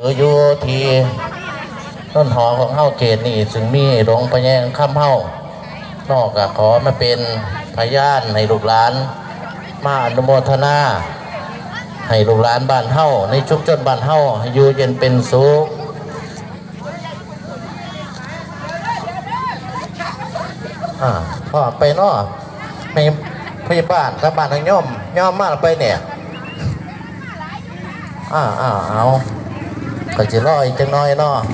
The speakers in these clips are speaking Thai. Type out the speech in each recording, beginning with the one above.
อยู่ที่ต้นหอของเฮาเกตนี่ซึ่งมีหลวงพ่อแย้งค่ำเฮานอกจากขอมาเป็นพยานในลูกหลานมาอนุโมทนาให้ลูกหลานบ้านเฮาในชุมชนบ้านเฮาให้อยู่เย็นเป็นสุขพ่อไปเนาะในพยาบาลกับบ้านทางย่อมมาไปเนี่ยเอาก็จะรออีกจังน้อยเนาะ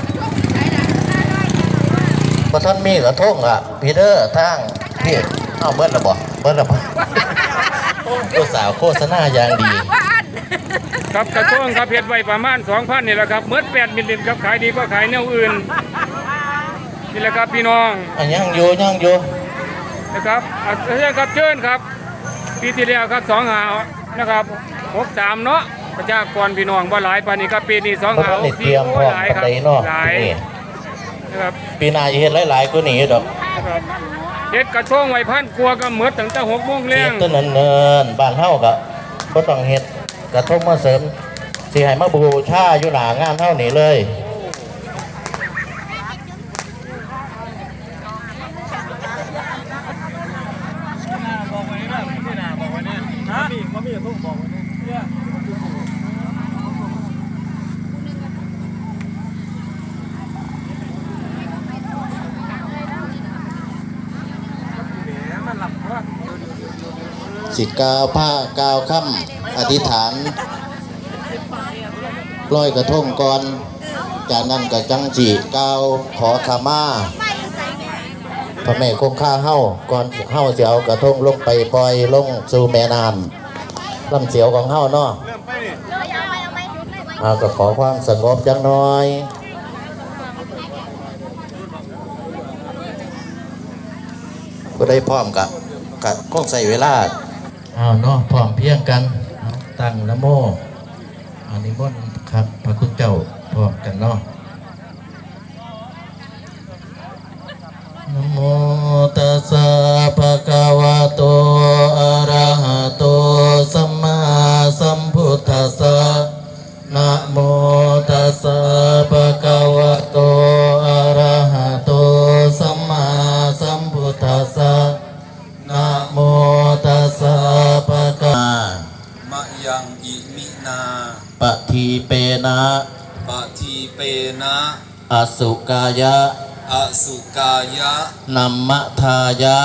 พอท่านมีกระทงพีเตอร์ทางพี่เบิ้ลระบ่ตัวสาวโฆษณาอย่างดีครับกระทงครับเพียรไว้ประมาณ 2,000 นี่แหละครับเมื่อ8 มิลลิลิตรครับขายดีก็ขายแนวอื่นนี่แหละครับพี่น้องยังอยู่นะครับครับเชิญครับปีที่แล้วครับ2 หานะครับ63เนาะประชากรพี่น้องว่าหลายปานนี้ครับปีนี้2 หา 64หลายครับหลายนะครับปีหน้าจะเห็นหลายๆกว่านี้ดอกเฮ็ดกระทงไว้พันกลัวก็เหมือนตั้งแต่6 โมงแรงต้นเนินบ้านเฮาก็บ่ต้องเฮ็ดกระทงมาเสริมสิให้มาบูชาอยู่หน้างานเฮานี่เลยสิกาวผ้ากาวค่ำอธิษฐานลอยกระทงก่อนจากนั้นกับจังจีกาวขอขมาพระแม่คงค่าเฮ้าก่อนเฮ้าเสียวกระทงลงไปปล่อยลงสู่แม่น้ำลำเสียวของเฮ้าเนาะก็ขอความสงบจังน้อยก็ได้พร้อมกับคงใส่เวลาเนาะพร้อมเพียงกันตั้งนะโมอันนี้มนต์ครับพระคุณเจ้าพร้อมกันเนาะนะโมตัสสะภะคะวะโตอะระหะโตสัมมาสัมพุทธัสสะนะโมตัสสะภะคะวะโตอะระหะโตสัมมาสัมพุทธัสสะนะโมตัสสะภะคะวะมะยังอิมินาปะทีเปนะอสุกายะนัมมะทายะ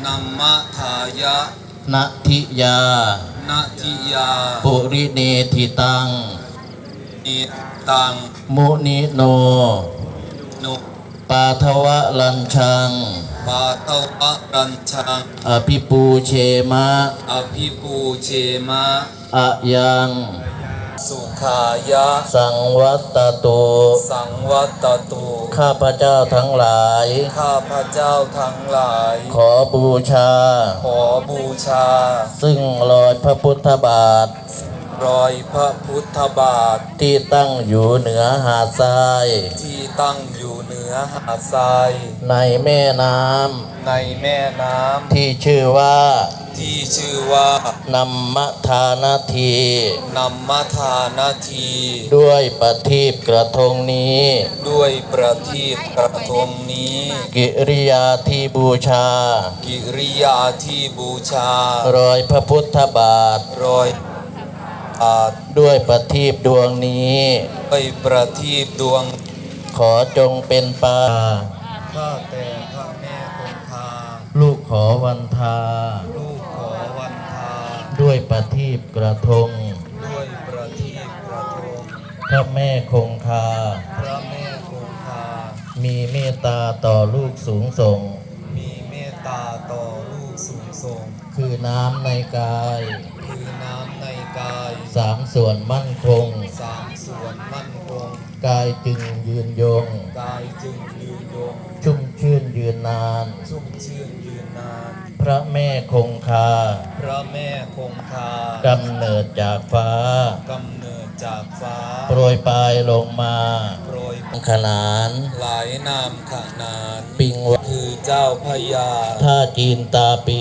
นัทิยาปุริเนธิตังมุนิโนปาทวะลัญชังอภิปูเชมะอะยังสุขายะสังวัตตุข้าพเจ้าทั้งหลายขอบูชาซึ่งรอยพระพุทธบาทที่ตั้งอยู่เหนือหาดทรายในแม่น้ำที่ชื่อว่านัมมทานาทีด้วยประทีปกระทงนี้กิริยาที่บูชารอยพระพุทธบาทด้วยประทีปดวงนี้ขอจงเป็นปาข้าแต่พระแม่คงคาลูกขอวันทาด้วยประทีปกระทงพระแม่คงคามีเมตตาต่อลูกสูงส่งคือน้ำในกาย3 ส่วนมั่นคงกายจึงยืนยงชุ่มชื่นยืนนานพระแม่คงคากำเนิดจากฟ้าโปรยปลายลงมาขนานหลายนามขนานปิงวะคือเจ้าพญาท่าจีนตาปี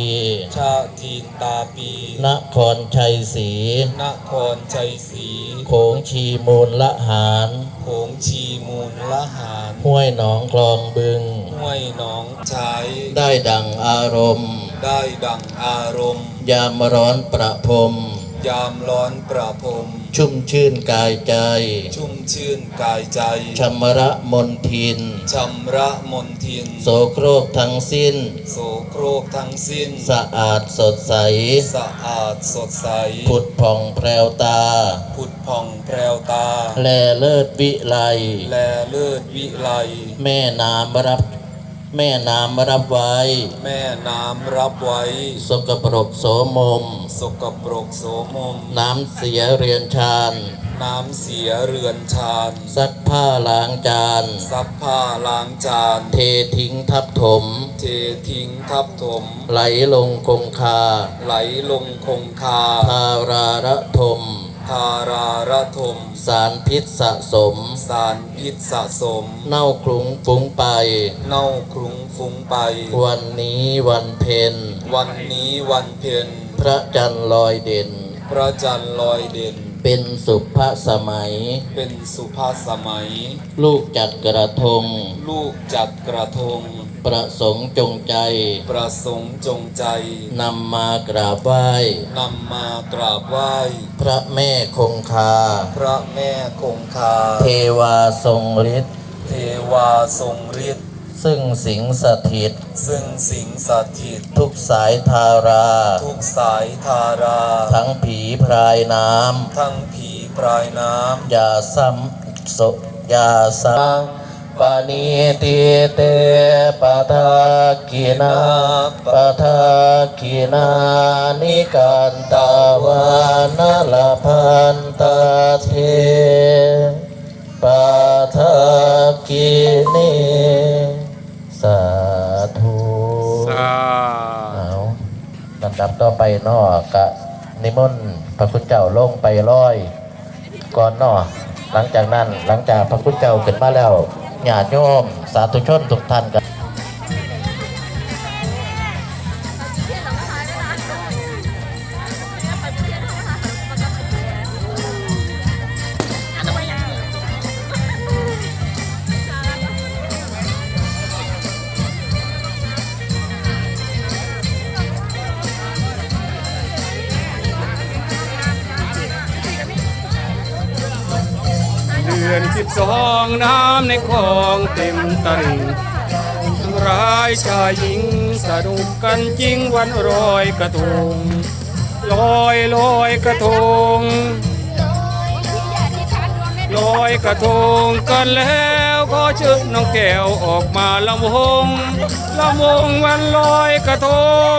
นครชัยศรีโขงชีมูลละหารละหารห้วยหนองคลองบึงห้วยหนองใช้ได้ดังอารมณ์ได้ดังอารมณ์ยามร้อนประพรมยามร้อนประพรมชุ่มชื่นกายใจชุ่มชื่นกายใจชำระมนทินชำระมนทินโสโครกทั้งสิ้นโสโครกทั้งสิ้นสะอาดสดใสสะอาดสดใสผุดผ่องแพรวตาผุดผ่องแพรวตาแลเลิศวิไลแลเลิศวิไลแม่น้ำรับไว้แม่น้ำรับไว้สกปรกโสมมสกปรกโสมมน้ำเสียเรียนชานน้ำเสียเรือนชานซักผ้าล้างจานซักผ้าล้างจานเททิ้งทับถมเททิ้งทับถมไหลลงคงคาไหลลงคงคาทาราระทมทาราระทมสารพิษสะสมสารพิษสะสมเน่าคลุ้งฟุ้งไปเน่าคลุ้งฟุ้งไปวันนี้วันเพ็ญวันนี้วันเพ็ญพระจันทร์ลอยเด่นพระจันทร์ลอยเด่นเป็นสุภสมัยเป็นสุภาพสมัยลูกจัดกระทงลูกจัดกระทงประสงค์จงใจประสงค์จงใจนำมากราบไหว้นำมากราบไหว้พระแม่คงคาพระแม่คงคาเทวาทรงฤทธิ์เทวาทรงฤทธิ์ซึ่งสิงสถิตซึ่งสิงสถิตทุกสายทาราทุกสายทาราทั้งผีพรายน้ทั้งผีปลายน้ำอย่าซ้ำอย่าซ้ำปานิติเตปะทากินาปะทากินานิกันตาวานาลพันตาเทปะทากินีสาธุสาเอาลำดับต่อไปนอกกะนิมนต์พระคุณเจ้าลงไปร้อยก่อนนอหลังจากนั้นหลังจากพระคุณเจ้าขึ้นมาแล้วญาติโยมสาธุชนทุกท่านกันเดือน12น้ำในคลองเต็มตลิ่งทั้งร้ายชายหญิงสนุกกันจริงวันลอยกระทงลอยกระทงลอยกระทงกันแล้วก็เชิญน้องแก้วออกมาลำวงวันลอยกระทง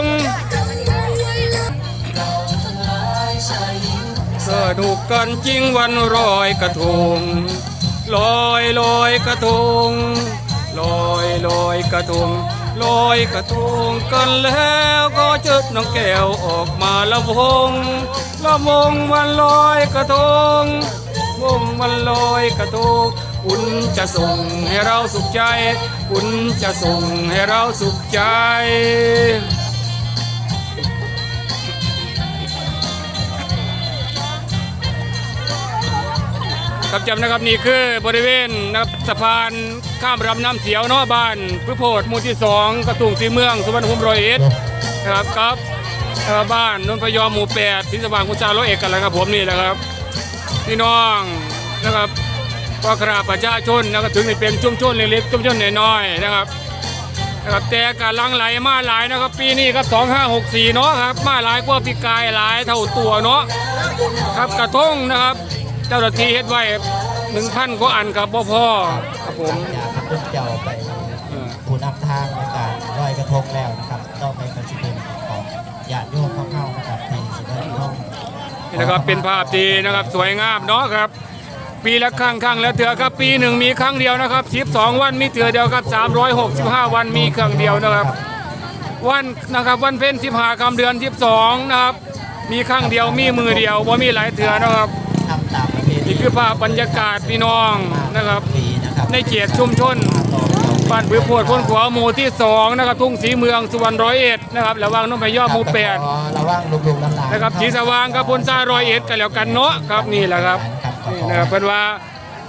สนุกกันจริงวันลอยกระทงลอยกระทงลอยกระทงลอยกระทงกันแล้วก็เชิดน้องแก้วออกมาละวงวันลอยกระทงวันลอยกระทงอุ่นจะส่งให้เราสุขใจอุ่นจะส่งให้เราสุขใจครับจำนะครับนี่คือบริเวณนะครับสะพานข้ามลำน้ำเสียวเนาะบ้านพืชโพดหมู่ที่2กระทุ่งสีเมืองสุวรรณภูมิ101นะครับครับบ้านนนทพยอมหมู่8ที่สว่างกุญชาร้อยเอกกันแล้วครับผมนี่แหละครับพี่น้องนะครับก็คราประชาชนนะครับถึงนี่เป็นชุมชนเล็กๆชุมชนน้อยๆนะครับแต่การลังไหลมาหลายนะครับปีนี้ครับ2564เนาะครับมาหลายกว่าปีกายหลายเท่าตัวเนาะครับกระทงนะครับเจ้าหน้าที่เฮ็ดไว้ 1,000 กว่าอันครับพ่อครับผมอยากให้คุณเจ้าไปผู้นำทางในการลอยกระทงแล้วนะครับต้องไปกระชิบของญาติโยมเข้าๆนะครับที่สิได้ร่องนี่นะครับเป็นภาพที่นะครับสวยงามเนาะครับปีละครั้งแล้วเถื่อครับปีหนึ่งมีครั้งเดียวนะครับ12วันมีเถื่อเดียวครับ365วันมีครั้งเดียวนะครับวันนะครับวันเพ็ญ15ค่ำเดือน12นะครับมีครั้งเดียวมีมือเดียวบ่มีหลายเถื่อนะครับทำตามประเพณีนี่คือภาพบรรยากาศพี่น้องนะครับปีนะครับในเขตชุมชนบ้านผือโพดพ้นขวาหมู่ที่2นะครับทุ่งสีเมืองสุวรรณ101นะครับระหว่างนนทพยอมหมู่8 ระว่างลุงๆหลานๆนะครับสีสว่างกับพลซ่า101กันแล้วกันเนาะครับนี่แหละครับนี่นะครับเป็นว่า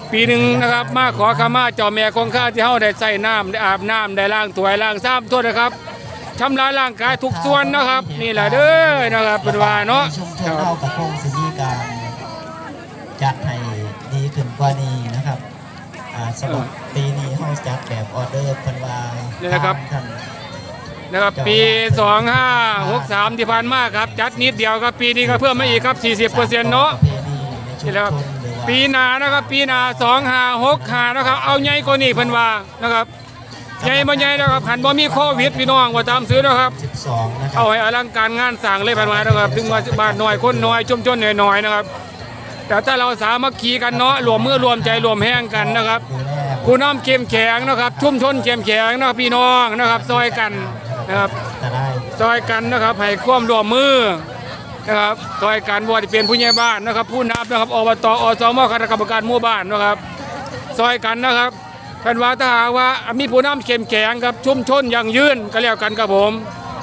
ปีหนึ่งนะครับมาขอขมาเจ้าแม่คงคาที่เฮาได้ใส่น้ำได้อาบน้ำได้ล้างถ้วยล้างซ้ำทั่วนะครับชำระร่างกายทุกส่วนนะครับนี่แหละเด้อนะครับเป็นว่าเนาะชุมชนเรากับคงสิมีการจัดให้ดีขึ้นกว่านี้นะครับสำหรับปีนี้เฮาจัดแบบออเดอร์เพิ่นว่านี่นะครับท่านนะครับปี2563ที่ผ่านมาครับจัดนิดเดียวครับปีนี้ก็เพิ่มมาอีกครับ 40%เนาะประเพณีในชุมนี่แหละครับชนหรือว่าปีหน้านะครับปีหน้า2565นะครับเอาใหญ่กว่านี้เพิ่นว่านะครับใหญ่บ่ใหญ่นะครับหันบ่มีโควิดพี่น้องว่าตามซื้อนะครับ 12นะครับเอาให้อลังการงานสร้างเลยเพิ่นว่านะครับถึงว่าบ้านน้อยคนน้อยชุมชนน้อยๆนะครับแต่ถ้าเราสามัคคีกันเนาะรวมมือรวมใจรวมแห้งกันนะครับดูแลผู้นำเข้มแข็งนะครับชุมชนเข้มแข็งนะครับพี่น้องนะครับซอยกันนะครับจะได้ซอยกันนะครับให้ความร่วมมือนะครับซอยกันบ่ว่าจะเป็นผู้ใหญ่บ้านนะครับผู้นำนะครับอบตอสมคณะกรรมการหมู่บ้านนะครับซอยกันนะครับเป็นว่าถ้าหากว่ามีผู้นำเข้มแข็งครับชุมชนยั่งยืนก็แล้วกันครับผม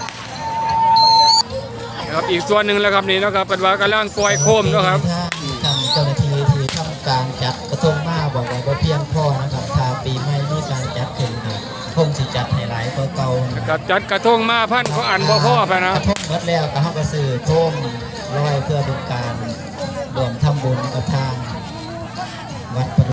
นะครับอีกส่วนหนึ่งแล้วครับนี่นะครับเป็นว่ากำลังปล่อยโคมนะครับทางเจ้าหน้าที่ที่ทำการจัดกระทงมาบอกว่าบ่เพียงพอนะครับถ้าปีใหม่มีการจัดขึ้นครับคงสิจัดให้หลายกว่าเก่านะคกัรับบจัดกระทงมาพันเขาอ่านบ่พ่อไปนะกระทงหมดแล้วก็เฮาก็ซื้อโคมลอยเพื่อเป็นการรวมทำบุญกับทางวัดป